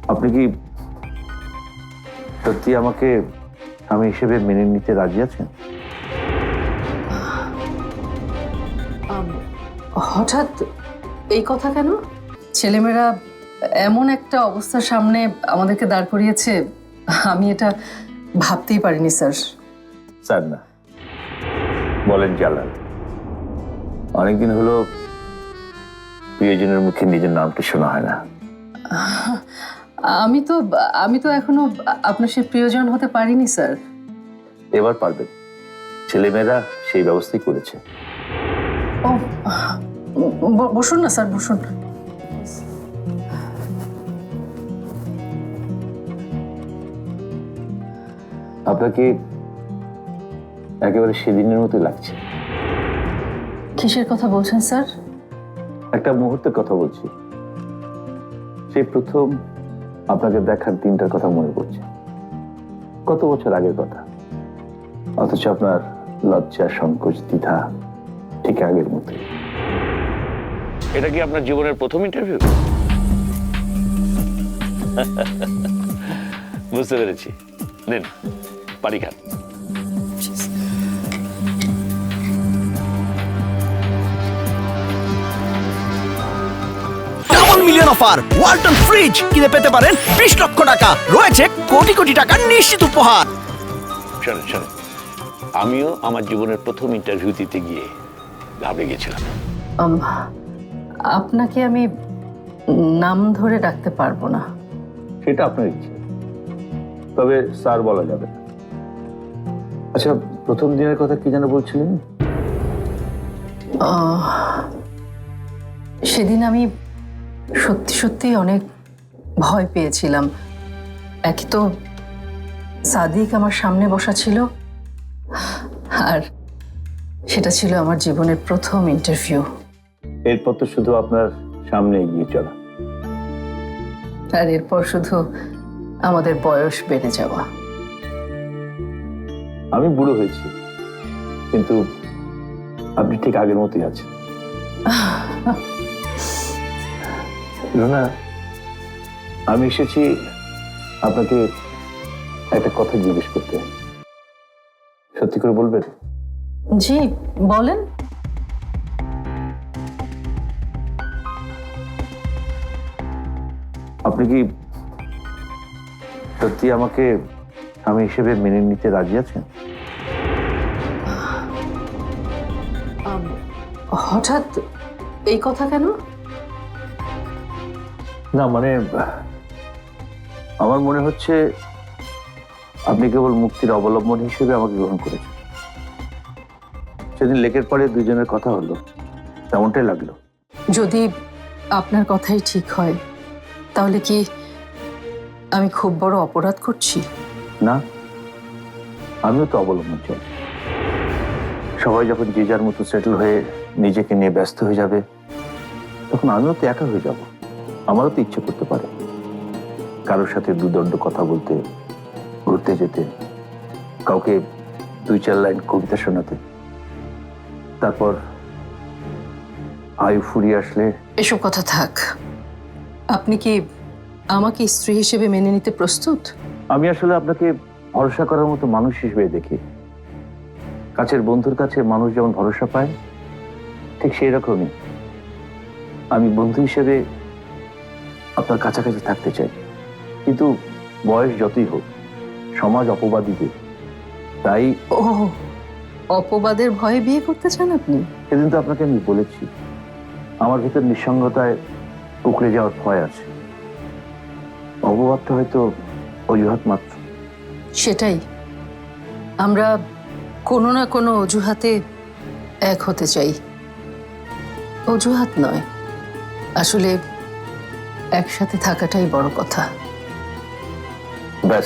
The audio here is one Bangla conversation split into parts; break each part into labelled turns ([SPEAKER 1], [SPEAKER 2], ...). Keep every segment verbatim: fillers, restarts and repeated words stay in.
[SPEAKER 1] আপনি কি সত্যি আমাকে স্বামী হিসেবে মেনে নিতে রাজি আছেন?
[SPEAKER 2] হঠাৎ এই কথা কেন? ছেলেমেয়েরা এমন একটা অবস্থার সামনে আমাদেরকে দাঁড় করিয়েছে, আমি এটা ভাবতেই পারিনি স্যার।
[SPEAKER 1] স্যার না, বলেন জালাল। অনেকদিন হলো প্রিয়জনের মুখে নিজের নামটি শোনা হয় না।
[SPEAKER 2] আমি তো আমি তো এখনো আপনার সে প্রিয়জন হতে পারিনি স্যার।
[SPEAKER 1] এবার পারবেন, ছেলেমেয়েরা সেই ব্যবস্থাই করেছে।
[SPEAKER 2] ও ব- বসুন না স্যার, বসুন।
[SPEAKER 1] আপনাকে একেবারে সেদিনের মতো লাগছে।
[SPEAKER 2] কিসের কথা বলছেন স্যার?
[SPEAKER 1] একটা মুহূর্তের কথা বলছি। সেই প্রথম আপনাকে দেখার দিনটার কথা মনে পড়ছে, কত বছর আগের কথা। অথচ আপনার লজ্জা, সংকোচ, দ্বিধা ঠিক আগের মতো। এটা কি আপনার জীবনের প্রথম ইন্টারভিউ? বুঝতে পেরেছি। নিন পানি খান।
[SPEAKER 3] মিলিয়ন অফার ওয়ালটন ফ্রিজ কিনে পেতে পারেন বিশ লক্ষ টাকা, রয়েছে কোটি কোটি টাকার নিশ্চিত উপহার।
[SPEAKER 1] শোনেন শোনেন, আমিও আমার জীবনের প্রথম ইন্টারভিউ দিতে গিয়ে ঘাবড়ে গেছিলাম।
[SPEAKER 2] আম, আপনাকে আমি নাম ধরে ডাকতে পারবো না।
[SPEAKER 1] সেটা আপনার ইচ্ছে, তবে স্যার বলা যাবে না। আচ্ছা, প্রথম দিনের কথা কি যেন বলছিলেন?
[SPEAKER 2] আহ, সেদিন আমি সত্যি সত্যি অনেক ভয় পেয়েছিলাম। একই তো সাদিক আমার সামনে বসা ছিল, আর সেটা ছিল আমার জীবনের প্রথম ইন্টারভিউ।
[SPEAKER 1] এরপর তো শুধু আপনার সামনে এগিয়ে চলা,
[SPEAKER 2] আর এরপর শুধু আমাদের বয়স বেড়ে যাওয়া।
[SPEAKER 1] আমি বুড়ো হয়েছি, কিন্তু আপনি ঠিক আগের মতোই আছেন। রুনা, আমি এসেছি আপনাকে একটা কথা জিজ্ঞেস করতে। সত্যি করে বলবেন?
[SPEAKER 2] জি বলেন।
[SPEAKER 1] আপনি কি সত্যি আমাকে স্বামী হিসেবে মেনে নিতে রাজি আছেন?
[SPEAKER 2] হঠাৎ এই কথা কেন?
[SPEAKER 1] না মানে, আমার মনে হচ্ছে আপনি কেবল মুক্তির অবলম্বন হিসেবে আমাকে গ্রহণ করেছেন। সেদিন লেকের পরে দুজনের কথা হলো, তেমনটাই লাগলো।
[SPEAKER 2] যদি আপনার কথাই ঠিক হয়, তাহলে কি আমি খুব বড় অপরাধ করছি?
[SPEAKER 1] না, আমিও তো অবলম্বন চাই। সবাই যখন যে যার মতো সেটেল হয়ে নিজেকে নিয়ে ব্যস্ত হয়ে যাবে, তখন আমিও তো একা হয়ে যাব। আমারও তো ইচ্ছে করতে পারে কারোর সাথে দুদণ্ড কথা বলতে, ঘুরতে যেতে, কাউকে দুই চার লাইন কবিতা শোনাতে, তারপর আয়ু ফুরিয়ে আসলে।
[SPEAKER 2] এসব কথা থাক। আপনি কি আমাকে স্ত্রী হিসেবে মেনে নিতে প্রস্তুত?
[SPEAKER 1] আমি আসলে আপনাকে ভরসা করার মতো মানুষ হিসেবে দেখি। কাছের বন্ধুর কাছে মানুষ যেমন ভরসা পায়, ঠিক সেই রকমই আমি বন্ধু হিসেবে আপনার কাছাকাছি থাকতে চাই। কিন্তু বয়স যতই হোক, সমাজ অপবাদ দিবে। তাই
[SPEAKER 2] ও, অপবাদের ভয়ে বিয়ে করতে চান আপনি?
[SPEAKER 1] সেদিন তো আপনাকে আমি বলেছি, আমার ভিতর নিঃসঙ্গতায় উকড়ে যাওয়ার ভয় আছে। অপবাদটা হয়তো অজুহাত মাত্র।
[SPEAKER 2] সেটাই, আমরা কোনো না কোনো অজুহাতে এক হতে চাই। অজুহাত নয়, আসলে একসাথে থাকাটাই বড় কথা।
[SPEAKER 1] ব্যাস,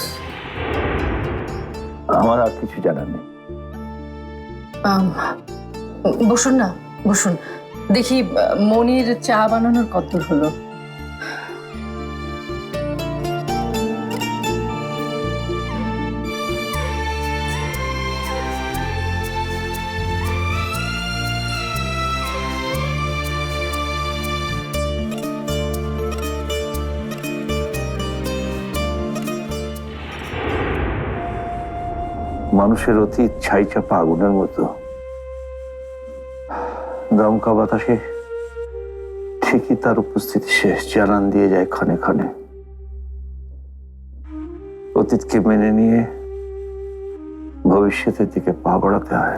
[SPEAKER 1] আমার আর কিছু জানার নেই।
[SPEAKER 2] আম, বসুন না, বসুন। দেখি মনির চা বানানোর কতদূর হলো।
[SPEAKER 1] মানুষের অতীত ছাই চাপা আগুনের মতো, দমকা বাতাসে ঠিকই তার উপস্থিতি শেষ জানান দিয়ে যায় ক্ষণে ক্ষণে। অতীতকে মেনে নিয়ে ভবিষ্যতের দিকে পা বাড়াতে হয়,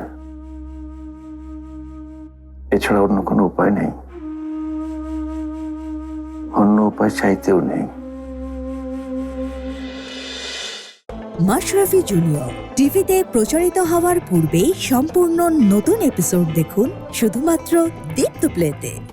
[SPEAKER 1] এছাড়া অন্য কোনো উপায় নেই, অন্য উপায় চাইতেও নেই।
[SPEAKER 4] মাশরাফি জুনিয়র টিভিতে প্রচারিত হওয়ার পূর্বেই সম্পূর্ণ নতুন এপিসোড দেখুন শুধুমাত্র দীপ্ত প্লেতে।